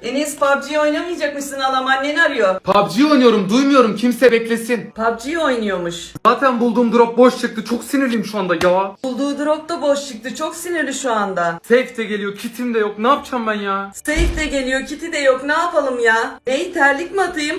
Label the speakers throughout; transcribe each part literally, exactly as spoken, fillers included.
Speaker 1: Enes P U B G oynamayacakmışsın, halam annen arıyor.
Speaker 2: P U B G oynuyorum, duymuyorum, kimse beklesin.
Speaker 1: P U B G oynuyormuş.
Speaker 2: Zaten bulduğum drop boş çıktı, çok sinirliyim şu anda ya.
Speaker 1: Bulduğu drop da boş çıktı, çok sinirli şu anda.
Speaker 2: Safe de geliyor, kitim de yok, ne yapacağım ben ya?
Speaker 1: Safe de geliyor, kiti de yok, ne yapalım ya? Bey terlik mi atayım?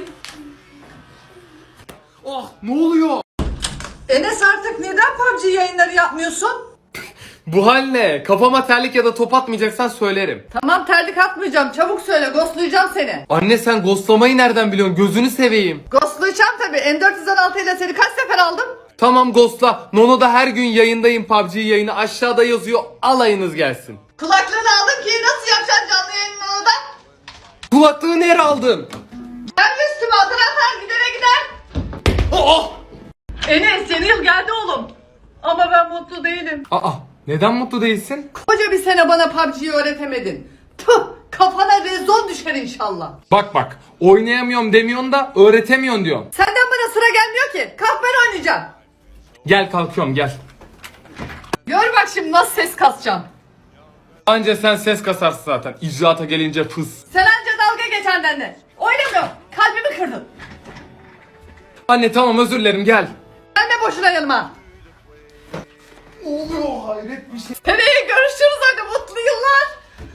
Speaker 2: Oh, ne oluyor?
Speaker 3: Enes artık neden P U B G yayınları yapmıyorsun?
Speaker 2: Bu hal ne? Kafama terlik ya da top atmayacaksan söylerim.
Speaker 3: Tamam terlik atmayacağım, çabuk söyle, ghostlayacağım seni.
Speaker 2: Anne sen ghostlamayı nereden biliyorsun? Gözünü seveyim.
Speaker 3: Ghostlayacağım tabi, M dört yüz on altı ile seni kaç sefer aldım?
Speaker 2: Tamam ghostla. Nono'da her gün yayındayım, P U B G yayını aşağıda yazıyor. Alayınız gelsin.
Speaker 3: Kulaklığını aldım ki nasıl yapacaksın canlı yayını orada?
Speaker 2: Kulaklığı nereye aldın?
Speaker 3: Gelme üstüme, atar atar gidere gider.
Speaker 2: Oh!
Speaker 3: Enes yeni yıl geldi oğlum. Ama ben mutlu değilim.
Speaker 2: Aa, neden mutlu değilsin?
Speaker 3: Koca bir sene bana P U B G'yi öğretemedin. Tüh, kafana rezon düşer inşallah.
Speaker 2: Bak bak, oynayamıyorum demiyorsun da öğretemiyorsun diyorsun.
Speaker 3: Senden bana sıra gelmiyor ki. Kalk ben oynayacağım.
Speaker 2: Gel kalkıyorum gel.
Speaker 3: Gör bak şimdi nasıl ses kasacağım.
Speaker 2: Anca sen ses kasarsın zaten. İcraata gelince fıs.
Speaker 3: Sen anca dalga geç annenle. Oynamıyorum. Kalbimi kırdın.
Speaker 2: Anne tamam özür dilerim gel.
Speaker 3: Gelme boşuna yanıma.
Speaker 2: Ne oluyor hayret bir şey.
Speaker 3: Seneye görüşürüz hadi, mutlu yıllar.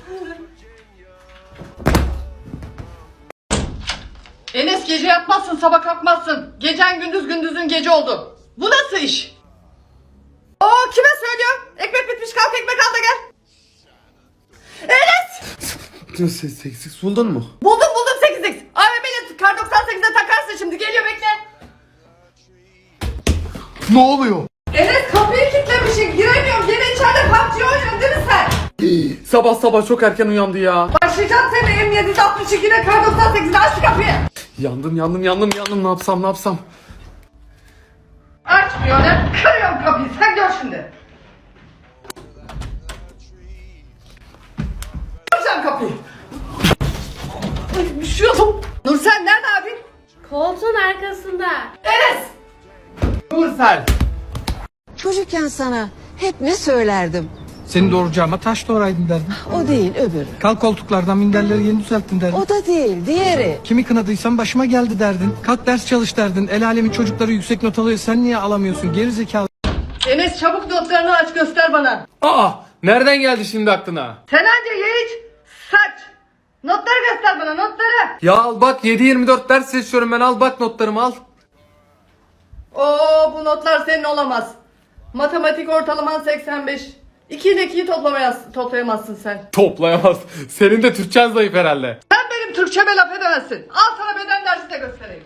Speaker 3: Enes gece yatmazsın, sabah kalkmazsın. Gecen gündüz, gündüzün gece oldu. Bu nasıl iş? Oo, kime söylüyorum? Ekmek bitmiş, kalk ekmek al da gel. Enes!
Speaker 2: Ses eksik buldun mu?
Speaker 3: Buldum buldum sekiz x. A V M'yle kar doksan sekize takarsın şimdi, geliyor bekle.
Speaker 2: Ne oluyor?
Speaker 3: Enes kapıyı kilitlemişsin, giremiyorum. Gene içeride P U B G oynuyorsun değil mi sen?
Speaker 2: Sabah sabah çok erken uyandı ya.
Speaker 3: Başlayacağım seni M yedi altmış iki ile kar doksan sekize, aç şu kapıyı.
Speaker 2: Yandım yandım yandım yandım ne yapsam ne yapsam.
Speaker 3: Açmıyor ne? Kırıyorum kapıyı, sen gör şimdi. Kıracağım kapıyı. Ay, düşüyordum. Nursel nerede abi?
Speaker 4: Koltuğun arkasında.
Speaker 3: Enes!
Speaker 2: Nursel.
Speaker 5: Çocukken sana hep ne söylerdim?
Speaker 6: Seni doğuracağıma taş doğraydın derdim.
Speaker 5: O değil öbürü.
Speaker 6: Kalk koltuklardan minderleri yeni düzelttin derdin.
Speaker 5: O da değil diğeri.
Speaker 6: Kimi kınadıysam başıma geldi derdin. Kalk ders çalış derdin. El alemin çocukları yüksek not alıyor. Sen niye alamıyorsun? Geri zekalı.
Speaker 3: Enes çabuk notlarını aç göster bana.
Speaker 2: Aa, nereden geldi şimdi aklına?
Speaker 3: Sen anca ye iç, saç. Notları göster bana, notları.
Speaker 2: Ya al bak yedi yirmi dört ders seçiyorum ben, al bak notlarımı al.
Speaker 3: Oo, bu notlar senin olamaz. Matematik ortalaman seksen beş. iki ile ikiyi toplamaya- toplayamazsın sen.
Speaker 2: Toplayamaz. Senin de Türkçen zayıf herhalde.
Speaker 3: Sen benim Türkçeme laf edemezsin. Al sana beden dersi de göstereyim.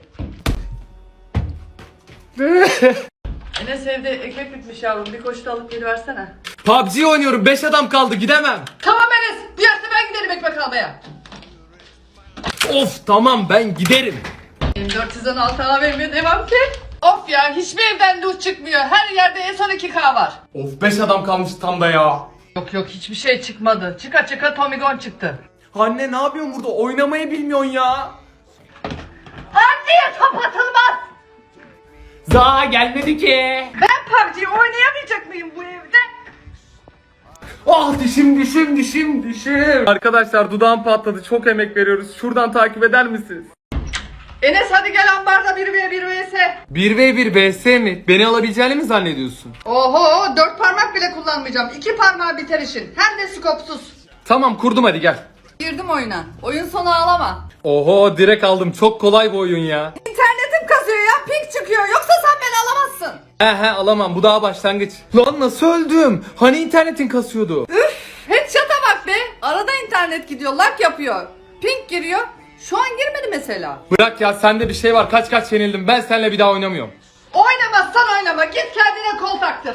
Speaker 3: Enes evde ekmek bitmiş yavrum. Bir koşu da alıp geliversene.
Speaker 2: P U B G oynuyorum, beş adam kaldı, gidemem.
Speaker 3: Tamam Enes. Diğerse ben giderim ekmek almaya.
Speaker 2: Of tamam ben giderim.
Speaker 3: M dört yüz on altı A V M devam ki. Of ya, hiçbir evden loot çıkmıyor. Her yerde en son iki K var.
Speaker 2: Of beş adam kalmış tam da ya.
Speaker 3: Yok yok, hiçbir şey çıkmadı. Çıka çıka Tomigon çıktı.
Speaker 2: Anne ne yapıyorsun burada? Oynamayı bilmiyorsun ya.
Speaker 3: Anneye top atılmaz.
Speaker 2: Za gelmedi ki.
Speaker 3: Ben P U B G oynayamayacak mıyım bu evde?
Speaker 2: Ah dişim dişim dişim dişim. Arkadaşlar dudağım patladı. Çok emek veriyoruz. Şuradan takip eder misiniz?
Speaker 3: Enes hadi gel ambarda bir ve bir vs.
Speaker 2: bir ve bir B S mi? Beni alabileceğini mi zannediyorsun?
Speaker 3: Oho, dört parmak bile kullanmayacağım. İki parmağı biter işin. Hem de skopsuz.
Speaker 2: Tamam kurdum hadi gel.
Speaker 3: Girdim oyuna. Oyun sonu ağlama.
Speaker 2: Oho direkt aldım. Çok kolay bu oyun ya.
Speaker 3: İnternetim kasıyor ya, ping çıkıyor. Yoksa sen beni alamazsın.
Speaker 2: He he alamam. Bu daha başlangıç. Lan nasıl öldüm? Hani internetin kasıyordu?
Speaker 3: Üf, headshot'a bak be. Arada internet gidiyor, lag yapıyor. Ping giriyor. Şu an girmedi mesela.
Speaker 2: Bırak ya sende bir şey var. Kaç kaç yenildim. Ben seninle bir daha oynamıyorum.
Speaker 3: Oynamazsan oynama. Git kendine kol taktır.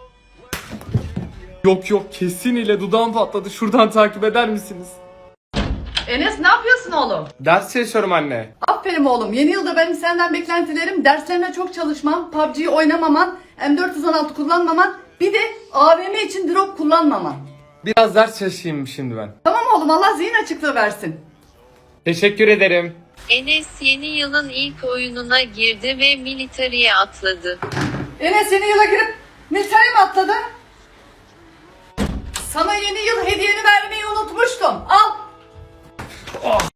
Speaker 2: Yok yok kesin ile dudağım patladı. Şuradan takip eder misiniz?
Speaker 3: Enes ne yapıyorsun oğlum?
Speaker 2: Ders çalışıyorum anne.
Speaker 3: Aferin oğlum. Yeni yılda benim senden beklentilerim derslerine çok çalışman, P U B G'yi oynamaman, M dört yüz on altı kullanmaman, bir de A V M için drop kullanmaman.
Speaker 2: Biraz ders çalışayım şimdi ben.
Speaker 3: Tamam oğlum, Allah zihin açıklığı versin.
Speaker 2: Teşekkür ederim.
Speaker 7: Enes yeni yılın ilk oyununa girdi ve military'e atladı.
Speaker 3: Enes yeni yıla girip military mi atladı? Sana yeni yıl hediyeni vermeyi unutmuştum. Al.